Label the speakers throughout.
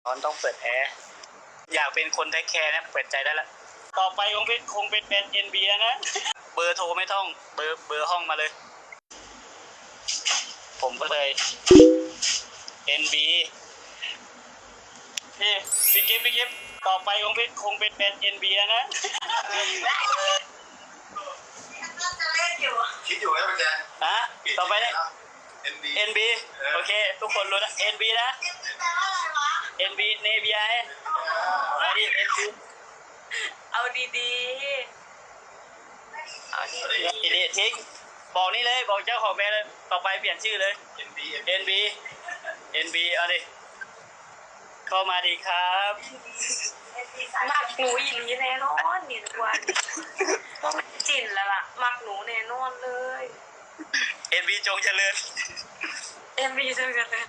Speaker 1: ร้อนต้องเปิดแอร์อยากเป็นคนเทคแคร์นะเปิดใจได้แล้วต่อไปคงเป็น NB แล้วนะเบอร์โทรไม่ต้องเบอร์ห้องมาเลยผมก็เลย NB นี่พี่กิฟต่อไปคงเป็น NB แล้วนะ
Speaker 2: คิดอยู่นะพี่แจ๊ค
Speaker 1: ฮะต่อไปเนี่ย
Speaker 2: NB
Speaker 1: NB โอเคทุกคนรู้นะ NB นะ NB เนเบียมาดิ NB
Speaker 3: เอาดีๆเอาดี
Speaker 1: ดีทิ้งบอกนี่เลยบอกเจ้าของแบรนด์เลยต่อไปเปลี่ยนชื่อเลย
Speaker 2: NB
Speaker 1: NB เอาดิเข้ามาดีครับ
Speaker 3: ๆมักหนูอีหลีแน่นอนนี่ทุกวันเพราะมันจินแล้วล่ะมักหนูแน่นอนเลย
Speaker 1: NB จงเจริญ
Speaker 3: MV จังเลย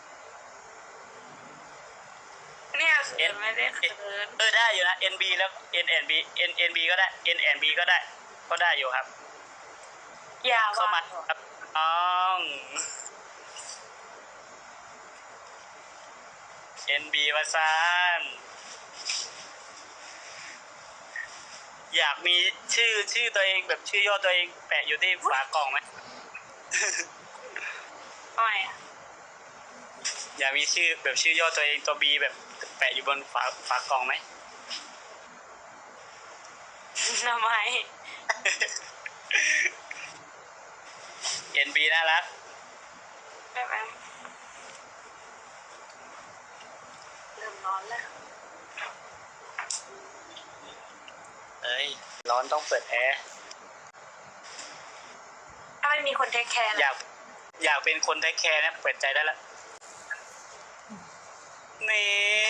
Speaker 3: เนี่ยเขินไม่ได้เขิน
Speaker 1: ได้อยู่นะ NB แล้ว NNB ก็ได้ NNB ก็ได้อยู่ครับ
Speaker 3: อย่า
Speaker 1: เข้ามา
Speaker 3: ว่า
Speaker 1: ครับน้อง NB มาซานอยากมีชื่อตัวเองแบบชื่อย่อตัวเองแปะอยู่ที่ฝากล่องไหม
Speaker 3: ไม่อะ
Speaker 1: อยากมีชื่อแบบชื่อย่อตัวเองตัว B แบบแปะอยู่บนฝากล่องไหม
Speaker 3: ทำไม
Speaker 1: NB น่ารัก
Speaker 3: แบบเริ่มร้อนแล้ว
Speaker 1: เอ้ยร้อนต้องเปิดแอร์
Speaker 3: ถ้าไม่มีคนเทคแคร์
Speaker 1: อยากเป็นคนเทคแคร์นะเปิดใจได้แล้วนี่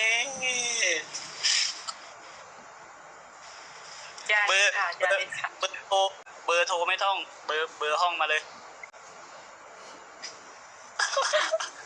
Speaker 3: อย่า
Speaker 1: เบอร์
Speaker 3: ค่ะอย่าเป็นค่ะ
Speaker 1: เบอร์โทรไม่ต้องเบอร์ห้องมาเลย